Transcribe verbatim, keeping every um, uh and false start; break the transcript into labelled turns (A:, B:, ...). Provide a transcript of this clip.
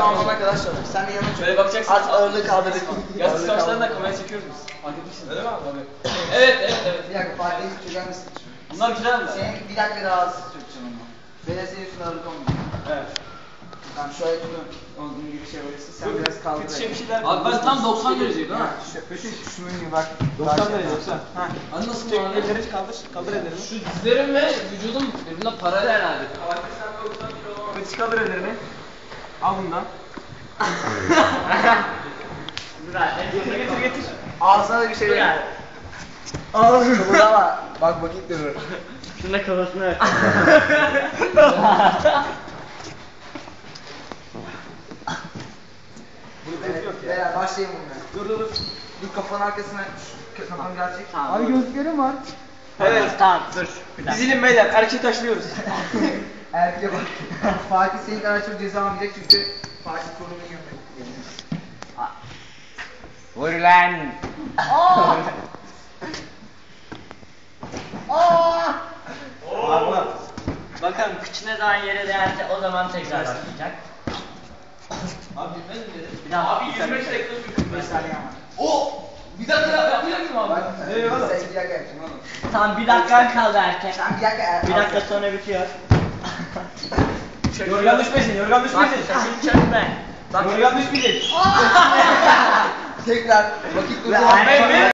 A: alana kadar çalış. Sen de yanına çök.
B: Böyle bakacaksın.
A: Az ağırlığı kaldırdık.
B: Yastık savaşlarını da kameraya çekiyoruz biz. Fark etmişsin. Öyle mi abi? Tabii. Evet evet evet.
A: Bir dakika Fatih'i çöker misin?
B: Bunlar güzel mi?
A: Senin bir dakika daha az çökeceğim ama. Ben senin üstüne ağırlık olmuyor.
B: Evet.
A: Tamam şöyle tutun. Onun gibi bir şey verirsin. Sen biraz kaldır.
B: Kötü bir şeyler. Abi ben tam doksan dereceyim değil mi?
A: Şunun gibi bak.
B: doksan derece doksan. Ha. Hani nasıl bu abi?
A: Elleri kaldır. Kaldır ellerini.
B: Şu dizlerim ve vücudum birbirine paralel herhalde.
A: Kıç kaldır ellerini. Al bundan. Getir getir getir. Ağzına da bir şey ver. Al. Kıvırama. Bak vakit durur.
C: Şunun da kafasına ver.
A: Evet, beyler başlayalım bununla. Dur dur dur. Dur kafanın arkasına. Şu kafam gerçek.
C: Tamam.
A: Abi gözlüklerim var.
C: Evet tamam dur. Bir dakika.
B: Dizilin beyler, erkeği taşlıyoruz.
A: Erkeğe bak. Fatih senin kadar çok ceza almayacak çünkü Fatih konumu gömmek.
C: Vur lan.
A: Abi
C: Bakalım kıçına daha yere değerse o zaman tekrar başlayacak.
B: Abi ben mi dedim?
C: Bir daha.
B: Abi yirmi beş dakika sürdü.
A: beş saniye ama.
B: O! Bir dakika ya, yapacak mısın abi?
A: Bak
B: Ne oğlum?
A: sen bir dakika yapacaksın oğlum.
C: Tamam bir dakika kaldı erkek.
A: Sen bir dakika.
C: Bir dakika sonra bitiyor.
B: Yorgan düşmesin, yorgan düşmesin.
C: Çökme.
B: Yorgan düşmeyecek.
A: Tekrar vakit durdu.
C: Ve-